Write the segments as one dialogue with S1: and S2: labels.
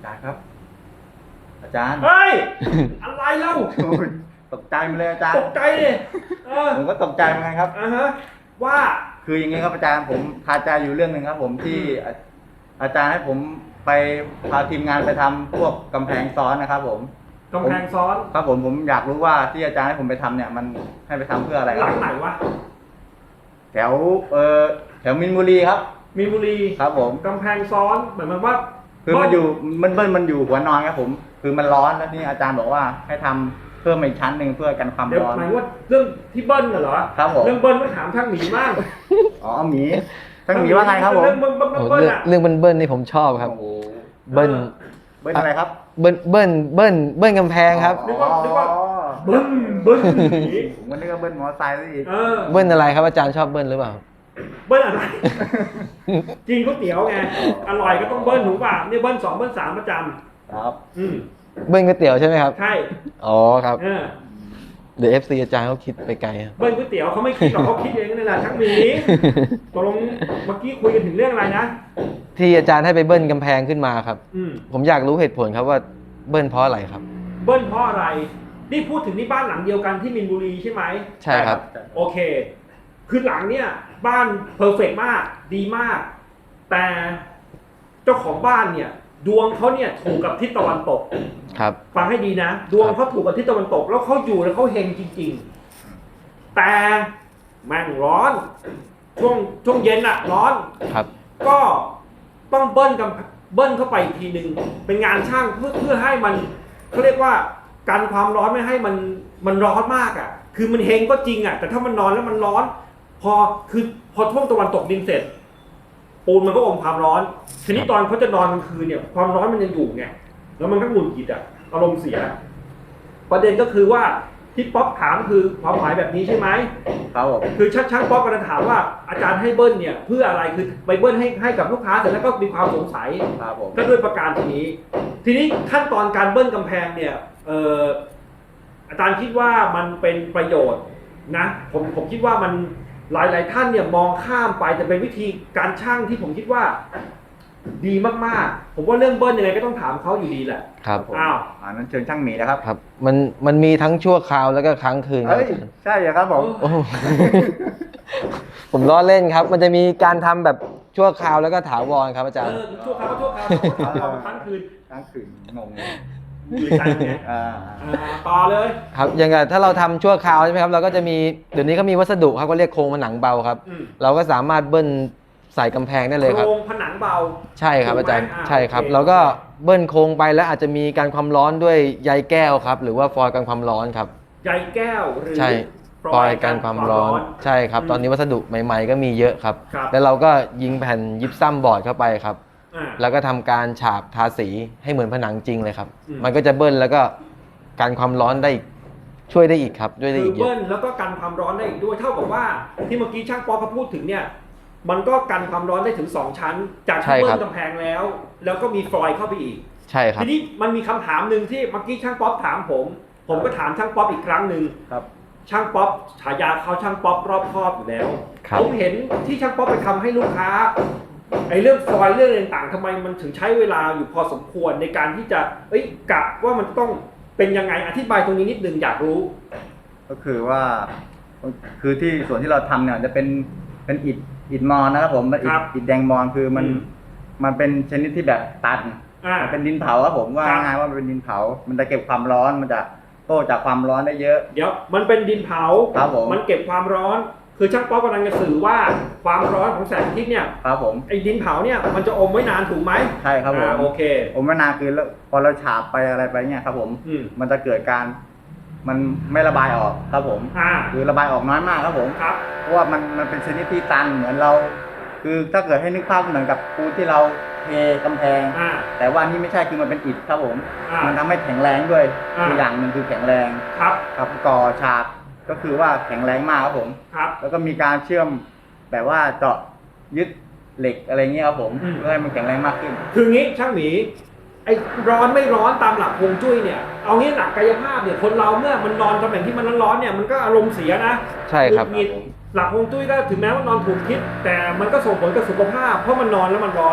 S1: จารย์ครับอาจารย์
S2: เฮ้ย อะไรเล่า
S1: โอ้ยตกใจมาเลยอาจารย์
S2: ตกใจดิ
S1: ผมก็ตกใจเหมือนกันครับ
S2: ฮะว่า
S1: คืออย่างนี้ครับอาจารย์ผมคาใจอยู่เรื่องหนึ่งครับ ผมที่อาจารย์ให้ผมไปพาทีมงานไปทำพวกกำแพงซ้อนนะครับ ผม
S2: กำแพงซ้อน
S1: ครับผมอยากรู้ว่าที่อาจารย์ให้ผมไปทำเนี่ยมันให้ไปทำเพื่ออะไรค
S2: ห
S1: รั
S2: ลั
S1: บ
S2: งไหนวะ
S1: แถวแถวมินบุรีครับ
S2: มีนบุรี
S1: ครับผม
S2: กำแพงซ้อนเหมือนมันว่า
S1: คือมันอยู่มันอยู่หัวนอนครับผม คือมันร้อนแล้วนี่อาจารย์บอกว่าให้ทำเพิ่มอีกชั้นหนึ่งเพื่อกันความ
S2: เดี๋ยว
S1: ร้อน
S2: หมายว่าเรื่องที่เบิ้ลเหรอ
S1: ครับผม
S2: เรื่องเบิ้ลต้องถามช่างหมีมาก
S1: อ๋อหมีทั้งหมีว่าไงครับผม
S2: เรื่องเบิ้ล
S3: โอ้
S2: เบิ้ลอะ
S3: เรื่องเบิ้ลนี่ผมชอบครับ
S1: โอ้โห
S3: เบิ้ล
S1: เบิ้ลอะไรครับ
S3: เบิ้ลกำแพงครับ
S2: นึกว่าเบิ้ลหมี
S1: ผมก็นึกว่าเบิ้ลมอเตอร์ไซค์ซะอีก
S3: เบิ้ลอะไรครับอาจารย์ชอบเบิ้ลหรือเปล่า
S2: เบิ้ลอะไรกินก๋วยเตี๋ยวไงอร่อยก็ต้องเบิ้ลถูกป่ะเนี่ยเบิ้ล2เบิ้ล3ประจ
S1: ครับ
S2: ำอืม
S3: เบิ้ลก๋วยเตี๋ยวใช่ไหมครับ
S2: ใช่
S3: อ๋อครับ
S2: เออ
S3: เดี๋ยว FC อาจารย์เขาคิดไปไกลครับ
S2: เบิ้ลก๋วยเตี๋ยวเขาไม่คิดหรอกเขาคิดเองนี่แหละช่างหมีตกลงเมื่อกี้คุยกันถึงเรื่องอะไรนะ
S3: ที่อาจารย์ให้ไปเบิ้ลกำแพงขึ้นมาครับ
S2: อืม
S3: ผมอยากรู้เหตุผลครับว่าเบิ้ลเพราะอะไรครับ
S2: เบิ้ลเพราะอะไร นี่พูดถึงที่บ้านหลังเดียวกันที่มินบุรีใช่ไหม
S3: ใช่ครับ
S2: โอเค คือหลังเนี่ยบ้านเพอร์เฟกต์มาก ดีมาก แต่เจ้าของบ้านเนี่ย ดวงเขาเนี่ยถูกกับทิศตะวันตก
S3: ครับ
S2: ฟังให้ดีนะ ดวงเขาถูกกับทิศตะวันตก แล้วเขาอยู่แล้วเขาเฮงจริง ๆ แต่แม่งร้อน ช่วงเย็นอะร้อน
S3: ครับ
S2: ก็ต้องเบิ้ลเข้าไปอีกทีหนึ่งเป็นงานช่างเพื่อให้มันเขาเรียกว่ากันความร้อนไม่ให้มันร้อนมากอ่ะ คือมันเฮงก็จริงอ่ะแต่ถ้ามันนอนแล้วมันร้อน พอช่วงตะวันตกดินเสร็จ ปูนมันก็อมความร้อนทีนี้ตอนเขาจะนอนกลางคืนเนี่ยความร้อนมันยังอยู่ไงแล้วมันก็หงุดหงิดอ่ะอารมณ์เสีย ประเด็นก็คือว่าที่ป๊อปถามคือความหมายแบบนี้ใช่ไหม
S1: ครับผม
S2: คือช่างป๊อปกำลังถามว่าอาจารย์ให้เบิ้ลเนี่ยเพื่ออะไรคือไปเบิ้ลให้กับลูกค้าเสร็จแล้วก็มีความสงสัย
S1: ครับผม
S2: ก็ด้วยประการทีนี้ขั้นตอนการเบิ้ลกำแพงเนี่ยอาจารย์คิดว่ามันเป็นประโยชน์นะผมคิดว่ามันหลายท่านเนี่ยมองข้ามไปแต่เป็นวิธีการช่างที่ผมคิดว่าดีมากๆผมว่าเรื่องเบิ้ลยังไงก็ต้องถามเขาอยู่ดีแหละ
S3: ครับ
S1: ผม
S2: อ้าว
S1: นั้นเชิญช่างหมีนะครับ
S3: ครับ มันมีทั้งชั่วคราวแล้วก็ค้างคืนครับ
S1: เฮ้ย
S3: อาจารย์
S1: ใช่เหรอครับผม
S3: โอ้ ผมล้อเล่นครับ มันจะมีการทำแบบชั่วคราวแล้วก็ถาวรครับอาจารย์
S2: ชั่วคราวก็ชั่วคราวครั้งคืน
S1: ทั้งคืนงงเลย
S2: อยู่ใจไง
S1: อ่า
S2: ต่อเลย
S3: ครับอย่างกับถ้าเราทำชั่วคราวใช่ไหมครับเราก็จะมีเดี๋ยวนี้เขามีวัสดุครับก็เรียกโครงผนังเบาครับ
S2: อืม
S3: เราก็สามารถเบิ้ลใส่กำแพงได้เลยครับ
S2: โครงผนังเบา
S3: ใช่ครับอาจารย์
S2: ถูกไหม
S3: ใช่ครับ
S2: โอเค
S3: เราก็เบิ้ลโครงไปแล้วอาจจะมีการความร้อนด้วยใยแก้วครับ หรือว่าฟอยล์กันความร้อนครับ
S2: ใยแก้วหรือ
S3: ใช่ฟอยล์กันความร้อนใช่ครับ ตอนนี้วัสดุใหม่ ๆ ก็มีเยอะครับ
S2: ครับ
S3: แล้วเราก็ยิงแผ่นยิปซัมบอร์ดเข้าไปครับ
S2: อ่า
S3: แล้วก็ทำการฉาบทาสีให้เหมือนผนังจริงเลยครับ
S2: อืม
S3: มันก็จะเบิ้ลแล้วก็การความร้อนได้อีกช่วยได้อีกครับด้วยได้
S2: คือ
S3: อีกเย
S2: เบิ้
S3: อะ
S2: ลแล้วก็กันความร้อนได้อีกด้วยเท่ากับว่าที่เมื่อกี้ช่างป๊อปเขาพูดถึงเนี่ยมันก็กันความร้อนได้ถึง2ชั้น จาก
S3: ใช่
S2: ที่
S3: ค
S2: เบิ้
S3: รับ
S2: ลกำแพงแล้ว แล้วก็มีฟลอยด์เข้าไปอีก
S3: ใช่ครับ
S2: ทีนี้มันมีคำถามหนึ่งที่เมื่อกี้ช่างป๊อปถามผมก็ถามช่างป๊อปอีกครั้งหนึ่ง
S1: ครับ
S2: ช่างป๊อปฉายาเขาช่างป๊อปรอบคอบอยู่แล้ว
S3: ครับ
S2: ผมเห็นที่ช่างป๊อปไปทำให้ลูกค้าไอ้เรื่องฟอยล์เรื่องอะไรต่างๆทำไมมันถึงใช้เวลาอยู่พอสมควรในการที่จะกะว่ามันต้องเป็นยังไงอธิบายตรงนี้นิดนึงอยากรู้
S1: ก็คือว่า คือที่ส่วนที่เราทำเนี่ยจะเป็นอิฐมอนนะครับผมมันอิ
S2: ครั
S1: ฐ
S2: บ
S1: อิฐแดงมอนคือมัน
S2: อืม
S1: มันเป็นชนิดที่แบบตัน มันเป็นดินเผาครับผมว่า
S2: ครับ
S1: ง่ายว่ามันเป็นดินเผา มันจะเก็บความร้อน มันจะโต้จากความร้อนได้เยอะ
S2: เดี๋ยวมันเป็นดินเผา
S1: ครับผม
S2: มันเก็บความร้อน คือช่างป๊อปกำลังจะสื่อว่าความร้อนของแสงอาทิตย์เนี่ย
S1: ครับผม
S2: ไอ้ดินเผาเนี่ยมันจะอมไว้นานถูกไหม
S1: ใช่ครับผม
S2: โอเค
S1: ผมว่านานคือแล้วพอเราฉาบไปอะไรไปเนี่ยครับผม
S2: อืม
S1: มันจะเกิดการมันไม่ระบายออกครับผม คือระบายออกน้อยมากครับผม
S2: ครับ
S1: เพราะว่ามันเป็นชนิดที่ตันเหมือนเรา คือถ้าเกิดให้นึกภาพเหมือนกับปูนที่เราเทกำแพง
S2: อ่า
S1: แต่ว่านี่ไม่ใช่คือมันเป็นอิฐครับผม
S2: อ่ามั
S1: มันทำให้แข็งแรงด้วย
S2: อ่า
S1: คืออย่างหนึ่งคือแข็งแรง
S2: ครับ
S1: ครับก่อฉากก็คือว่าแข็งแรงมากครับผม
S2: ครับ
S1: แล้วก็มีการเชื่อมแบบว่าเจาะยึดเหล็กอะไรเงี้ยครับผม
S2: อืม
S1: เพื่อให้มันแข็งแรงมากขึ้น
S2: คืองี้ช่างหมีไอ้ร้อนไม่ร้อนตามหลักฮวงจุ้ยเนี่ยเอางี้หลักกายภาพเนี่ยคนเราเมื่อมันนอนตำแหน่งที่มันร้อนๆเนี่ยมันก็อารมณ์เสียนะ
S3: ใช่ครับ
S2: หงุดหงิดหลักฮวงจุ้ยก็ถึงแม้ว่านอนถูกทิศแต่มันก็ส่งผลกับสุขภาพเพราะมันนอนแล้วมันร้อน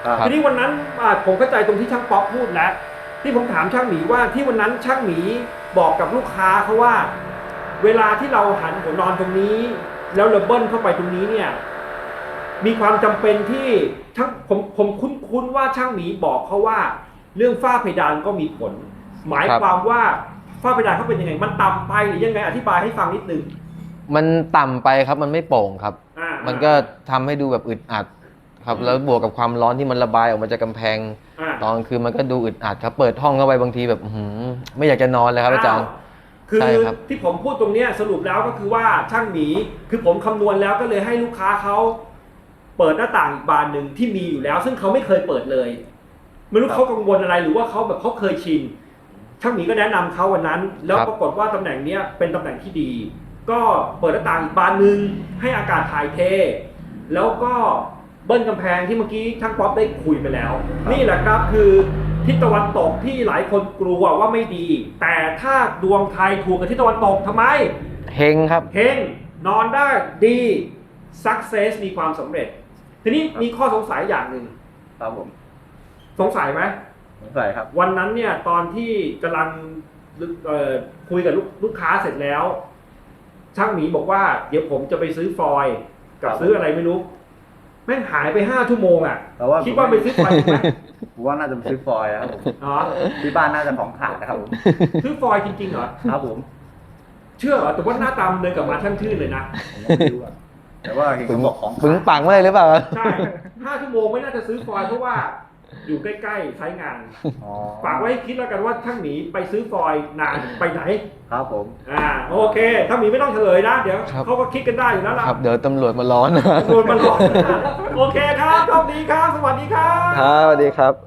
S1: ครับ
S2: ทีนี้วันนั้นผมเข้าใจตรงที่ช่างป๊อปพูดแล้วที่ผมถามช่างหมีว่าที่วันนั้นช่างหมีบอกกับลูกค้าเขาว่า เวลาที่เราหันหัวนอนตรงนี้ แล้วเราเบิ้ลเข้าไปตรงนี้เนี่ย มีความจำเป็นที่ช่างผมคุ้นว่าช่างหมีบอกเขาว่า เรื่องฝ้าเพดานก็มีผล หมายความว่าฝ้าเพดานเขาเป็นยังไงมันต่ำไปหรือยังไงอธิบายให้ฟังนิดนึง
S3: มันต่ำไปครับมันไม่โปร่งครับ มันก็ทำให้ดูแบบอึดอัดครับแล้วบวกกับความร้อนที่มันระบายออกมาจากกำแพงตอนกลางคืนมันก็ดูอึดอัดครับเปิดห้องเข้าไปบางทีแบบไม่อยากจะนอนเลยครับอาจารย์
S2: คือ
S3: ใช่ครับ
S2: ที่ผมพูดตรงเนี้ยสรุปแล้วก็คือว่าช่างหมีคือผมคำนวณแล้วก็เลยให้ลูกค้าเขาเปิดหน้าต่างอีกบานหนึ่งที่มีอยู่แล้ว ซึ่งเขาไม่เคยเปิดเลยไม่รู้เขากังวลอะไรหรือว่าเขาแบบเขาเคยชินช่างหมีก็แนะนำเขาวันนั้น แล้วปรากฏว่าตำแหน่งเนี้ยเป็นตำแหน่งที่ดี ก็เปิดหน้าต่างอีกบานหนึ่งให้อากาศถ่ายเทแล้วก็เบิ้ลกำแพงที่เมื่อกี้ช่างป๊อปได้คุยไปแล้ว นี่แหละครับคือทิศตะวันตกที่หลายคนกลัวว่าไม่ดี แต่ถ้าดวงไทยถูกกับทิศตะวันตกทำไม
S3: เฮงครับ
S2: เฮงนอนได้ดี success มีความสำเร็จ ทีนี้มีข้อสงสัยอย่างหนึ่ง
S1: ครับผม
S2: สงสัยไหม
S1: สงสัยครับ
S2: วันนั้นเนี่ยตอนที่กำลังคุยกับลูกค้าเสร็จแล้ว ช่างหมีบอกว่าเดี๋ยวผมจะไปซื้อฟอยล์กับซื้ออะไรไม่รู้แม่งหายไป5 ชั่วโมงอ่ะ
S1: แต่ว่า
S2: คิดว่าไปซื้อฟอยล์จริงไหม
S1: ผมว่าน่าจะไปซื้อฟอยล์ครับผม
S2: อ๋อ
S1: ที่บ้านน่าจะของขาดนะครับผม
S2: ซื้อฟอยล์จริงๆเหรอ
S1: ครับผม
S2: เชื่อเหรอแต่ว่าหน้าตามนเดินกลับมาช่างชื่นเลยนะ
S1: ผมก็ไม่รู้อะแต่ว่าเห็นเขาบอกของ
S3: ปึงปังมาเลยหรือเปล่า
S2: ใช่5 ชั่วโมงไม่น่าจะซื้อฟอยล์เพราะว่าอยู่ใกล้ๆใช้งาน
S1: อ๋อ
S2: ฝากไว้ให้คิดแล้วกันว่าช่างหมีไปซื้อฟอยล์นานไปไหน
S1: ครับผม
S2: โอเคช่างหมีไม่ต้องเฉลยนะ เดี๋ยว
S3: ครับ
S2: เขาก็คิดกันได้อยู่แล้วล่ะ
S3: ครับเดี๋ยวตำรวจมาร้อน
S2: ตำรวจมันหลอกโอเคครับโชคดีครับ สวัสดีครับ
S3: ครับสวัสดีครับ